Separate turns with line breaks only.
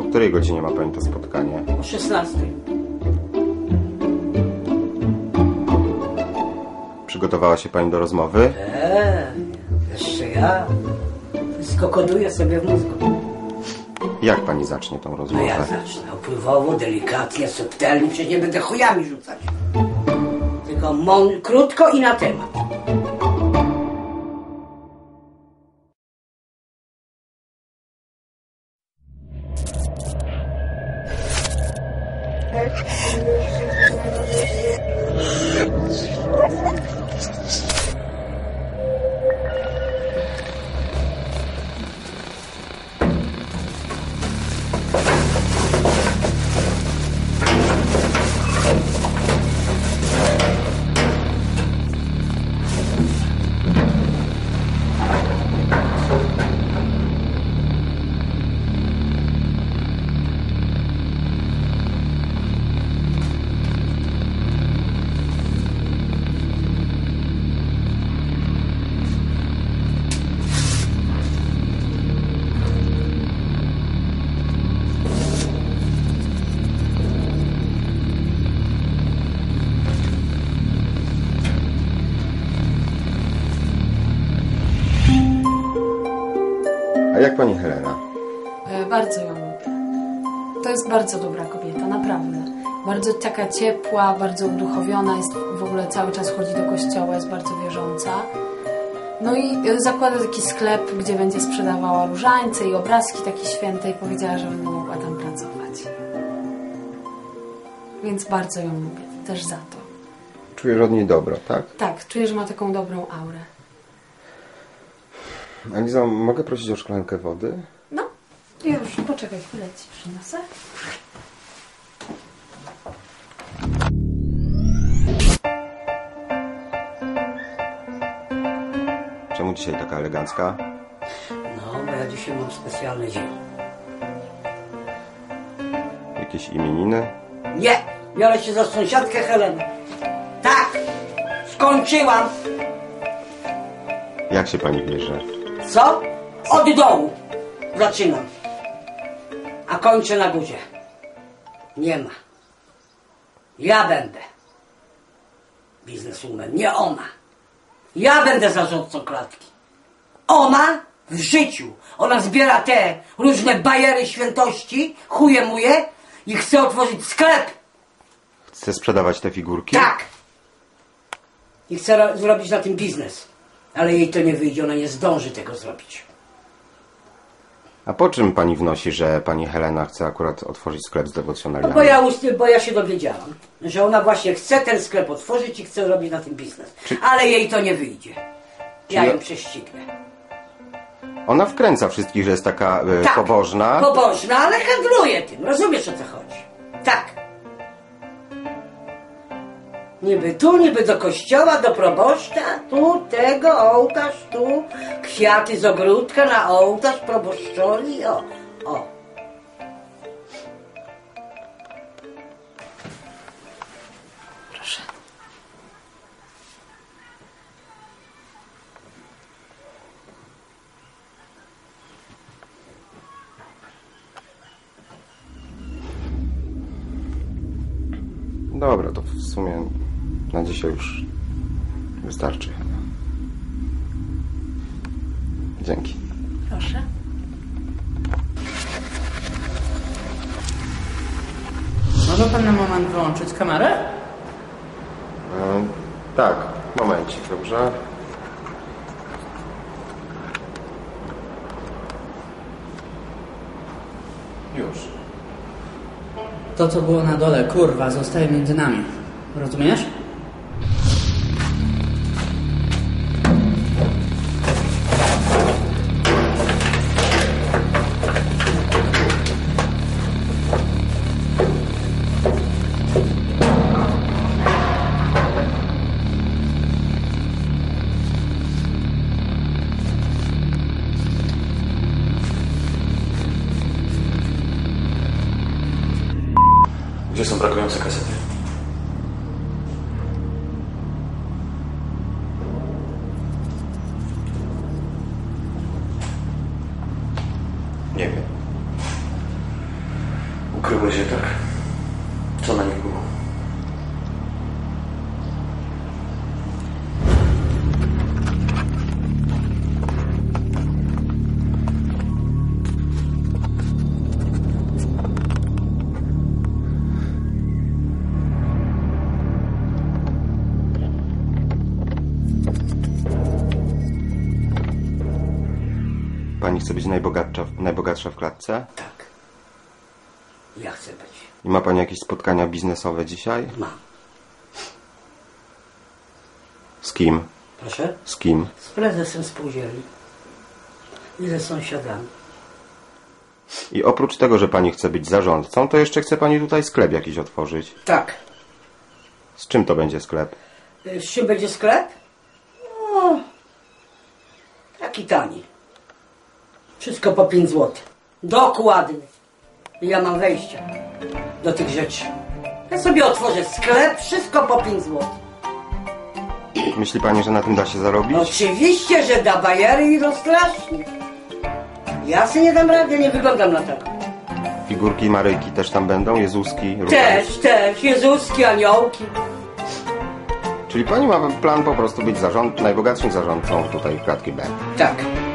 O której godzinie ma pani to spotkanie?
O 16.
Przygotowała się pani do rozmowy?
Jeszcze ja. Wszystko koduję sobie w mózgu.
Jak pani zacznie tą
No
rozmowę?
ja zacznę opływowo, delikatnie, subtelnie, przecież nie będę chujami rzucać. Tylko krótko i na temat.
A jak pani Helena?
Bardzo ją lubię. To jest bardzo dobra kobieta, naprawdę. Bardzo taka ciepła, bardzo uduchowiona, jest w ogóle cały czas chodzi do kościoła, jest bardzo wierząca. No i zakłada taki sklep, gdzie będzie sprzedawała różańce i obrazki takie święte i powiedziała, że będę mogła tam pracować. Więc bardzo ją lubię, też za to.
Czujesz od niej dobro, tak?
Tak, czuję, że ma taką dobrą aurę.
Alizo, mogę prosić o szklankę wody?
No, już, poczekaj chwilę, ci przyniosę.
Czemu dzisiaj taka elegancka?
No, bo ja dzisiaj mam specjalny dzień.
Jakieś imieniny?
Nie! Biorę się za sąsiadkę Helenę. Tak! Skończyłam!
Jak się pani bierze?
Co? Od dołu. Zaczynam. A kończę na górze. Nie ma. Ja będę bizneswoman, nie ona. Ja będę zarządcą klatki. Ona w życiu. Ona zbiera te różne bajery świętości, chuje muje i chce otworzyć sklep.
Chce sprzedawać te figurki?
Tak. I chce zrobić na tym biznes. Ale jej to nie wyjdzie, ona nie zdąży tego zrobić.
A po czym pani wnosi, że pani Helena chce akurat otworzyć sklep z
No
dewocjonaliami?
bo ja się dowiedziałam, że ona właśnie chce ten sklep otworzyć i chce robić na tym biznes. Ale jej to nie wyjdzie. Ja ją prześcignę.
Ona wkręca wszystkich, że jest taka
Tak,
pobożna.
Pobożna, ale handluje tym. Rozumiesz, o co chodzi? Tak. Niby tu, niby do kościoła, do proboszcza, tu tego, ołtarz, tu kwiaty z ogródka na ołtarz proboszczowi, o.
Proszę.
Dobra, to w sumie na dzisiaj już wystarczy. Dzięki.
Proszę.
Może pan na moment wyłączyć kamerę?
Tak, momencik, dobrze? Już.
To, co było na dole, kurwa, zostaje między nami. Rozumiesz?
Gdzie są brakujące kasety? Nie wiem. Krogozie, tak? Co na nich było?
Pani chce być najbogatsza w klatce?
Tak. Ja chcę być.
I ma pani jakieś spotkania biznesowe dzisiaj?
Mam.
Z kim?
Proszę?
Z kim?
Z prezesem spółdzielni. I ze sąsiadami.
I oprócz tego, że pani chce być zarządcą, to jeszcze chce pani tutaj sklep jakiś otworzyć.
Tak.
Z czym to będzie sklep?
Z czym będzie sklep? No, taki tani. Wszystko po 5 zł. Dokładnie. I ja mam wejście do tych rzeczy. Ja sobie otworzę sklep, wszystko po 5 zł.
Myśli pani, że na tym da się zarobić?
Oczywiście, że da, bajery idą strasznie. Ja sobie nie dam rady, nie wyglądam na tak.
Figurki i Maryjki też tam będą? Jezuski? Również?
Też. Jezuski, aniołki.
Czyli pani ma plan po prostu być najbogatszym zarządcą tutaj klatki B.
Tak.